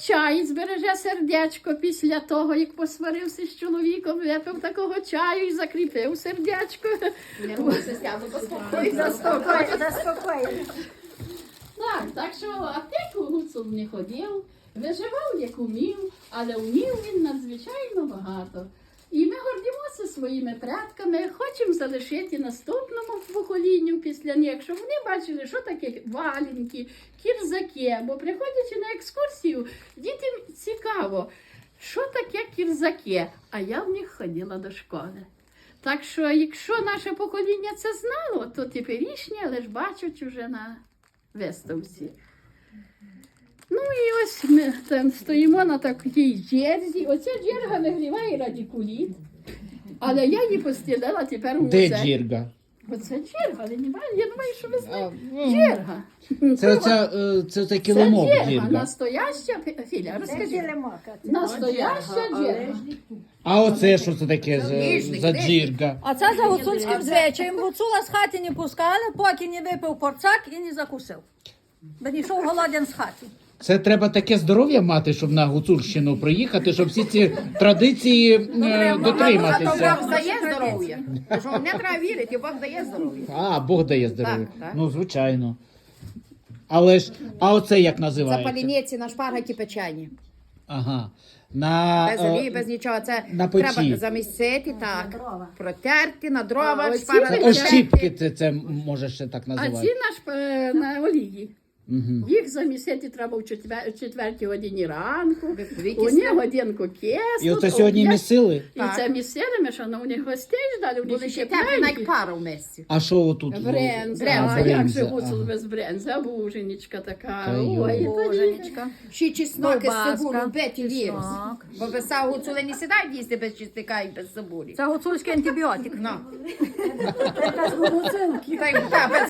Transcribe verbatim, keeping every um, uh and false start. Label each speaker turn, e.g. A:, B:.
A: чай, збереже сердечко після того, як посварився з чоловіком, випив такого чаю і закріпив сердечко.
B: Заспокоїть, заспокоїть.
A: Так, так що аптеку Гуцул не ходив, виживав як умів, але умів він надзвичайно багато. І ми гордимося своїми предками, хочемо залишити наступному поколінню після них, щоб вони бачили, що таке валенки, кірзаки. Бо приходячи на екскурсію, дітям цікаво, що таке кірзаки, а я в них ходила до школи. Так що, якщо наше покоління це знало, то теперішнє лиш бачать уже на виставці. Ну і ось ми там стоїмо на такій джерзі. Оця джерга нагріває радикуліт, але я її постілила тепер у
C: Де
A: музей.
C: джірга?
A: Оце джерга, але немає, я думаю, що ви знаєте.
C: ну,
A: Джерга.
C: Це, це, е, це, це
A: Це
C: килимок
A: джерга,
C: джірга.
A: настояща, Філя,
B: Це
A: розкажи.
B: килимока.
A: Настояща джерга.
C: А оце що це таке за, за джірга?
D: А це за гуцульським звичаєм. Гуцула з хати не пускали, поки не випив порцак і не закусив. Бо не йшов голоден з хати.
C: Це треба таке здоров'я мати, щоб на Гуцульщину приїхати, щоб всі ці традиції е, дотриматися.
E: Бог дає здоров'я. Що не треба вірити, Бог дає здоров'я.
C: А, Бог дає здоров'я.
E: Так, так.
C: Ну, звичайно. Але ж, а оце як
E: Це
C: називається?
E: паліниці на шпаргаті печені.
C: Ага. На,
E: Без
C: е,
E: олії, без нічого. Це
C: на печі.
E: треба замісити, так. Протерти на
A: А,
E: дрова,
A: оці
E: шпаргати.
A: печені.
C: Ощіпки це, це може ще так
A: А
C: називати.
A: ці наш е, на олії.
C: Угу.
A: Їх замісити треба в четвер- четвертій годині ранку,
E: Дві
A: у
E: кисні.
A: них годинку кислу.
C: І оце сьогодні
A: об'єд-
C: місили?
A: І
E: Так.
A: це місили, ми що, ну, у них гостей ждали, у них
E: Були
A: ще
E: ще теплі,
A: пленки.
E: як пара в місці.
C: А що отут?
A: Бренза,
C: А,
A: а як
C: бренза,
A: же гуцул
C: ага.
A: без бренза, буженечка така.
C: Та йо.
A: Ой, та
D: Боженечка.
E: Ще чеснок із
D: Ковбаска.
E: цибулю, беті вірус.
D: Чеснок.
E: Бо без сау гуцули не сідають їсти без чесника і без цибулі.
D: Це гуцульський антибіотик.
E: Ну.
B: Це гуцулки.
E: Та й та, без